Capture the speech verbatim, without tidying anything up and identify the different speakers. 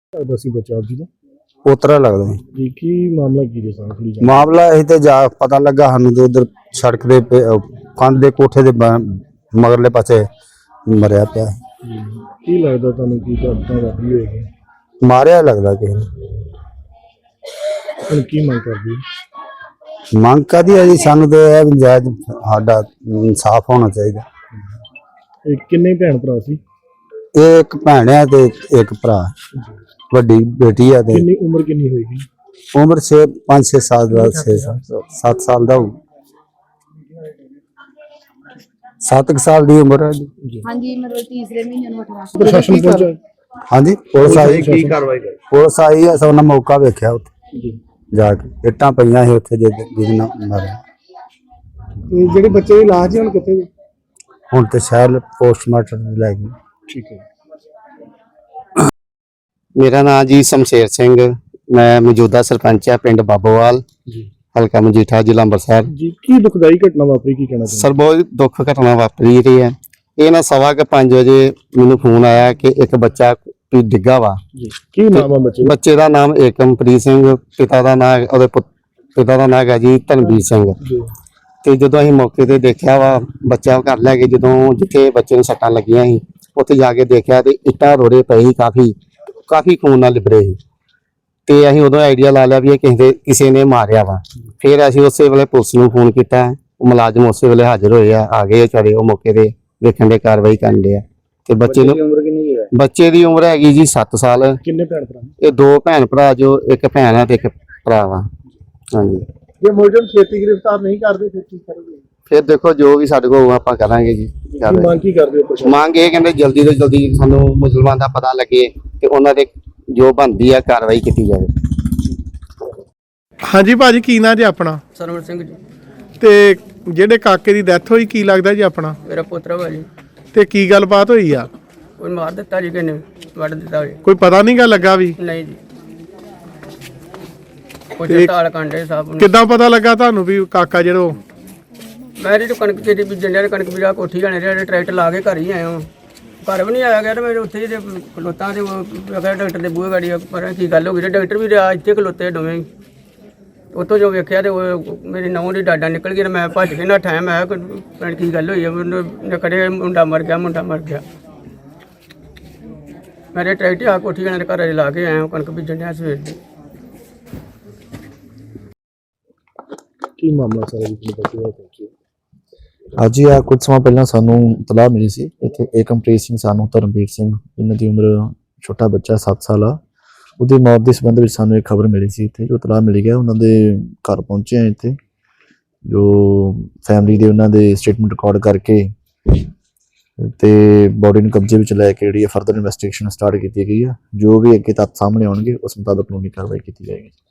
Speaker 1: ਲੱਗਦਾ ਸੀ ਬੱਚਾ ਜੀ ਦਾ
Speaker 2: ਪੋਤਰਾ ਲੱਗਦਾ ਜੀ।
Speaker 1: ਜੀ ਕੀ ਮਾਮਲਾ ਕੀ ਜੀ ਸਾਰਾ ਖੁੱਲੀ
Speaker 2: ਮਾਮਲਾ ਇਹ ਤੇ ਜਾ ਪਤਾ ਲੱਗਾ ਸਾਨੂੰ ਤੇ ਉਧਰ ਸੜਕ ਦੇ ਕੰਧ ਦੇ ਕੋਠੇ ਦੇ ਬ- ਮਗਰਲੇ ਪਾਸੇ ਮਰਿਆ ਪਿਆ
Speaker 1: ਜੀ ਕੀ ਲੱਗਦਾ ਤੁਹਾਨੂੰ ਕੀ ਘਟਨਾ ਵਾਪਰੀ ਹੋਏਗੀ
Speaker 2: ਮਾਰਿਆ ਲੱਗਦਾ ਕਿਸੇ ਨੇ।
Speaker 1: ਹੁਣ ਕੀ ਮੰਗ ਕਰਦੀ
Speaker 2: ਮੰਗ ਕਾਹਦੀ ਹੈ ਜੀ? ਸਾਨੂੰ ਤੇ ਇਹ ਵੀ ਜਾਇਜ਼ ਸਾਡਾ ਇਨਸਾਫ ਹੋਣਾ ਚਾਹੀਦਾ।
Speaker 1: ਇਹ ਕਿੰਨੇ ਭੈਣ ਭਰਾ ਸੀ
Speaker 2: ਇਹ ਇੱਕ ਭੈਣ ਹੈ ਤੇ ਇੱਕ ਭਰਾ, ਵੱਡੀ ਬੇਟੀ ਹੈ ਤੇ
Speaker 1: ਕਿੰਨੀ ਉਮਰ ਕਿੰਨੀ ਹੋਏਗੀ
Speaker 2: ਉਮਰ ਛੇ ਪੰਜ ਛੇ ਸਾਲ ਦਾ ਛੇ ਸੱਤ ਸਾਲ ਦਾ ਹੋਊ। ਸੱਤ ਕੁ ਸਾਲ ਦੀ ਉਮਰ ਹੈ ਜੀ।
Speaker 3: ਹਾਂਜੀ ਮਤਲਬ ਤੀਸਰੇ ਮਹੀਨੇ ਨੂੰ ਅਠਾਰਾਂ
Speaker 1: ਪ੍ਰਸ਼ਾਸਨ ਪਹੁੰਚਾ
Speaker 2: ਹਾਂਜੀ ਪੁਲਿਸ ਆਈ
Speaker 1: ਕੀ ਕਾਰਵਾਈ ਕਰ
Speaker 2: ਪੁਲਿਸ ਆਈ ਹੈ। ਸੋ ਉਹਨਾਂ ਮੌਕਾ ਵੇਖਿਆ ਉੱਥੇ
Speaker 1: ਜੀ
Speaker 2: ਜਾ ਕੇ ਇੱਟਾਂ ਪਈਆਂ ਸੀ ਉੱਥੇ ਜਿਹਦੇ ਜਿਹਦੇ ਨਾਲ ਮਾਰਿਆ।
Speaker 1: ਇਹ ਜਿਹੜੇ ਬੱਚੇ ਦੀ ਲਾਸ਼ ਜੀ ਹੁਣ ਕਿੱਥੇ ਜੀ
Speaker 2: ਹੁਣ ਤੇ ਸ਼ਾਇਦ ਪੋਸਟਮਾਰਟਮ ਲੈ ਗਏ।
Speaker 1: ਠੀਕ ਹੈ
Speaker 4: ਮੇਰਾ ਨਾਮ ਜੀ ਸ਼ਮਸ਼ੇਰ ਸਿੰਘ, ਮੈਂ ਮੌਜੂਦਾ ਸਰਪੰਚ ਆ ਪਿੰਡ ਬਾਬੋਵਾਲ,
Speaker 1: ਜੀ
Speaker 4: ਹਲਕਾ ਮਜੀਠਾ, ਜ਼ਿਲ੍ਹਾ ਅੰਮ੍ਰਿਤਸਰ।
Speaker 1: ਜੀ ਕੀ ਦੁਖਦਾਈ ਘਟਨਾ ਵਾਪਰੀ ਕੀ ਕਹਿਣਾ ਚਾਹੁੰਦੇ
Speaker 4: ਸਰ ਬਹੁਤ ਦੁੱਖ ਘਟਨਾ ਵਾਪਰੀ ਰਹੀ ਹੈ। ਇਹ ਨਾ ਸਵਾ ਕੇ ਪੰਜ ਵਜੇ ਮੈਨੂੰ ਫੋਨ ਆਇਆ ਕਿ ਇੱਕ ਬੱਚਾ ਵੀ ਡਿੱਗਾ ਵਾ।
Speaker 1: ਜੀ ਕੀ ਨਾਮ ਆ ਬੱਚੇ ਦਾ?
Speaker 4: ਬੱਚੇ ਦਾ ਨਾਮ ਏਕਮਪ੍ਰੀਤ ਸਿੰਘ, ਪਿਤਾ ਦਾ ਨਾਮ ਉਹਦੇ ਪੁੱਤ- ਪਿਤਾ ਦਾ ਨਾਮ ਹੈ ਜੀ ਧਨਵੀਰ ਸਿੰਘ।
Speaker 1: ਜੀ
Speaker 4: ਤੇ ਜਦੋਂ ਅਸੀਂ ਮੌਕੇ ਤੇ ਦੇਖਿਆ ਵਾ ਬੱਚਾ ਘਰ ਲੈ ਕੇ, ਜਦੋਂ ਜਿੱਥੇ ਬੱਚੇ ਨੂੰ ਸੱਟਾਂ ਲੱਗੀਆਂ ਸੀ ਉੱਥੇ ਜਾ ਕੇ ਦੇਖਿਆ ਤੇ ਇੱਟਾਂ ਰੋੜੇ ਪਏ ਸੀ, ਕਾਫੀ ਕਾਫੀ ਖੂਨ ਨਾਲ ਲਿਬੜੇ ਸੀ। ਤੇ ਅਸੀਂ ਉਦੋਂ ਆਈਡੀਆ ਲਾ ਲਿਆ ਵੀ ਇਹ ਕਿਸੇ ਦੇ ਕਿਸੇ ਨੇ ਮਾਰਿਆ ਵਾ। ਫਿਰ ਅਸੀਂ ਉਸੇ ਵੇਲੇ ਪੁਲਿਸ ਨੂੰ ਫੋਨ ਕੀਤਾ, ਉਹ ਮੁਲਾਜ਼ਮ ਉਸੇ ਵੇਲੇ ਹਾਜ਼ਰ ਹੋਏ ਆ, ਆ ਗਏ ਵਿਚਾਰੇ ਉਹ ਮੌਕੇ ਤੇ ਵੇਖਣ ਦੇ ਕਾਰਵਾਈ ਕਰਨ ਦੇ ਆ। ਤੇ ਬੱਚੇ ਨੂੰ
Speaker 1: ਉਮਰ ਕਿੰਨੀ ਹੈ
Speaker 4: ਬੱਚੇ ਦੀ ਉਮਰ ਹੈਗੀ ਜੀ ਸੱਤ ਸਾਲ।
Speaker 1: ਕਿੰਨੇ ਭੈਣ ਭਰਾ
Speaker 4: ਇਹ ਦੋ ਭੈਣ ਭਰਾ, ਜੋ ਇੱਕ ਭੈਣ ਆ ਤੇ ਇੱਕ ਭਰਾ ਵਾ। ਹਾਂਜੀ
Speaker 1: ਜੇ ਮੁਲਜ਼ਮ ਛੇਤੀ ਗ੍ਰਿਫਤਾਰ ਨਹੀਂ ਕਰਦੇ ਫਿਰ ਕੀ ਕਰੋਗੇ
Speaker 4: ਫਿਰ ਦੇਖੋ ਜੋ ਵੀ ਸਾਡੇ ਕੋਲ ਆਪਾਂ ਕਰਾਂਗੇ ਜੀ।
Speaker 1: ਕੀ ਮੰਗ ਕੀ ਕਰਦੇ ਹੋ ਪ੍ਰਸ਼ਾਸਨ
Speaker 4: ਮੰਗ ਇਹ ਕਹਿੰਦੇ ਜਲਦੀ ਤੋਂ ਜਲਦੀ ਸਾਨੂੰ ਮੁਸਲਮਾਨ ਦਾ ਪਤਾ ਲੱਗੇ ਤੇ ਉਹਨਾਂ ਦੇ ਜੋ ਬਣਦੀ ਆ ਕਾਰਵਾਈ ਕੀਤੀ ਜਾਵੇ।
Speaker 5: ਹਾਂਜੀ ਭਾਜੀ, ਕੀ ਨਾਂ ਜੀ ਆਪਣਾ?
Speaker 6: ਸਰਵਣ ਸਿੰਘ ਜੀ,
Speaker 5: ਤੇ ਜਿਹੜੇ ਕਾਕੇ ਦੀ ਡੈਥ ਹੋਈ ਕੀ ਲੱਗਦਾ ਜੀ ਆਪਣਾ?
Speaker 6: ਮੇਰਾ ਪੁੱਤਰ ਵਾ ਜੀ।
Speaker 5: ਤੇ ਕੀ ਗੱਲਬਾਤ ਹੋਈ ਆ?
Speaker 6: ਕੋਈ ਮਾਰ ਦਿੱਤਾ ਜੀ, ਕਿਨੇ ਵੱਢ ਦਿੱਤਾ ਜੀ?
Speaker 5: ਕੋਈ ਪਤਾ ਨਹੀਂ ਗਾ ਲੱਗਾ ਵੀ?
Speaker 6: ਨਹੀਂ ਜੀ, ਕੋਈ ਤਾਲ ਕਾਂਡੇ ਸਾਹਿਬ ਨੂੰ।
Speaker 5: ਕਿੱਦਾਂ ਪਤਾ ਲੱਗਾ ਤੁਹਾਨੂੰ ਵੀ ਕਾਕਾ ਜਿਹੜਾ ਉਹ?
Speaker 6: ਮੈਂ ਜੀ ਕਣਕ ਤੇਰੀ ਬੀਜਣ ਡਿਆ, ਕਣਕ ਬੀਜਾ ਕੋਠੀ ਜਾਣੇ ਰਿਹਾ, ਟਰੈਕਟਰ ਲਾ ਕੇ ਘਰ ਹੀ ਆਇਆ ਹਾਂ। ਘਰ ਵੀ ਨਹੀਂ ਆਇਆ ਗਿਆ ਤੇ ਮੈਂ ਉੱਥੇ ਜਿਹੇ ਖਲੋਤਾ ਤੇ ਉਹ ਅਗਰ ਡਾਕਟਰ ਦੇ ਬੂਹੇ ਗਾੜੀ ਪਰ ਕੀ ਗੱਲ ਹੋ ਗਈ, ਡਾਕਟਰ ਵੀ ਰਿਹਾ ਇੱਥੇ ਖਲੋਤੇ ਦੋਵੇਂ ਹੀ। ਉੱਥੋਂ ਜੋ ਵੇਖਿਆ ਤੇ ਉਹ ਮੇਰੀ ਨਹੁੰ ਦੀ ਡਾਡਾ ਨਿਕਲ ਗਈ ਤੇ ਮੈਂ ਭੱਜ ਕੇ ਨੱਠਾ। ਮੈਂ ਕਿਹਾ ਕੀ ਗੱਲ ਹੋਈ ਹੈ? ਮੈਨੂੰ ਕੜੇ ਮੁੰਡਾ ਮਰ ਗਿਆ, ਮੁੰਡਾ ਮਰ ਗਿਆ। ਮੇਰੇ ਟਰੈਕਟਰ ਆ ਕੋਠੀ ਜਾਣੇ ਦੇ ਘਰ ਲਾ ਕੇ ਆਇਆ, ਕਣਕ ਬੀਜਣ ਡਿਆ ਸਵੇਰ ਦੀ।
Speaker 1: ਕੀ ਮਾਮਲਾ ਸਾਰਾ ਜੀ ਤੁਹਾਡੇ ਬੱਚੇ ਦਾ ਪਹੁੰਚਿਆ
Speaker 7: ਅੱਜ ਹੀ ਆ ਕੁਝ ਸਮਾਂ ਪਹਿਲਾਂ ਸਾਨੂੰ ਇਤਲਾਹ ਮਿਲੀ ਸੀ ਇੱਥੇ ਏਕਮਪ੍ਰੀਤ ਸਿੰਘ ਸਾਨੂੰ ਧਰਮਵੀਰ ਸਿੰਘ, ਇਹਨਾਂ ਦੀ ਉਮਰ ਛੋਟਾ ਬੱਚਾ ਸੱਤ ਸਾਲ ਆ, ਉਹਦੀ ਮੌਤ ਦੇ ਸੰਬੰਧ ਵਿੱਚ ਸਾਨੂੰ ਇੱਕ ਖਬਰ ਮਿਲੀ ਸੀ। ਇੱਥੇ ਜੋ ਇਤਲਾਹ ਮਿਲੀ ਗਿਆ ਉਹਨਾਂ ਦੇ ਘਰ ਪਹੁੰਚੇ ਆ। ਇੱਥੇ ਜੋ ਫੈਮਿਲੀ ਦੇ ਉਹਨਾਂ ਦੇ ਸਟੇਟਮੈਂਟ ਰਿਕਾਰਡ ਕਰਕੇ ਤੇ ਬੋਡੀ ਨੂੰ ਕਬਜ਼ੇ ਵਿੱਚ ਲੈ ਕੇ ਜਿਹੜੀ ਫਰਦਰ ਇਨਵੈਸਟੀਗੇਸ਼ਨ ਸਟਾਰਟ ਕੀਤੀ ਗਈ ਆ। ਜੋ ਵੀ ਅੱਗੇ ਤੱਥ ਸਾਹਮਣੇ ਆਉਣਗੇ ਉਸ ਮੁਤਾਬਕ ਕਾਨੂੰਨੀ ਕਾਰਵਾਈ ਕੀਤੀ ਜਾਏਗੀ।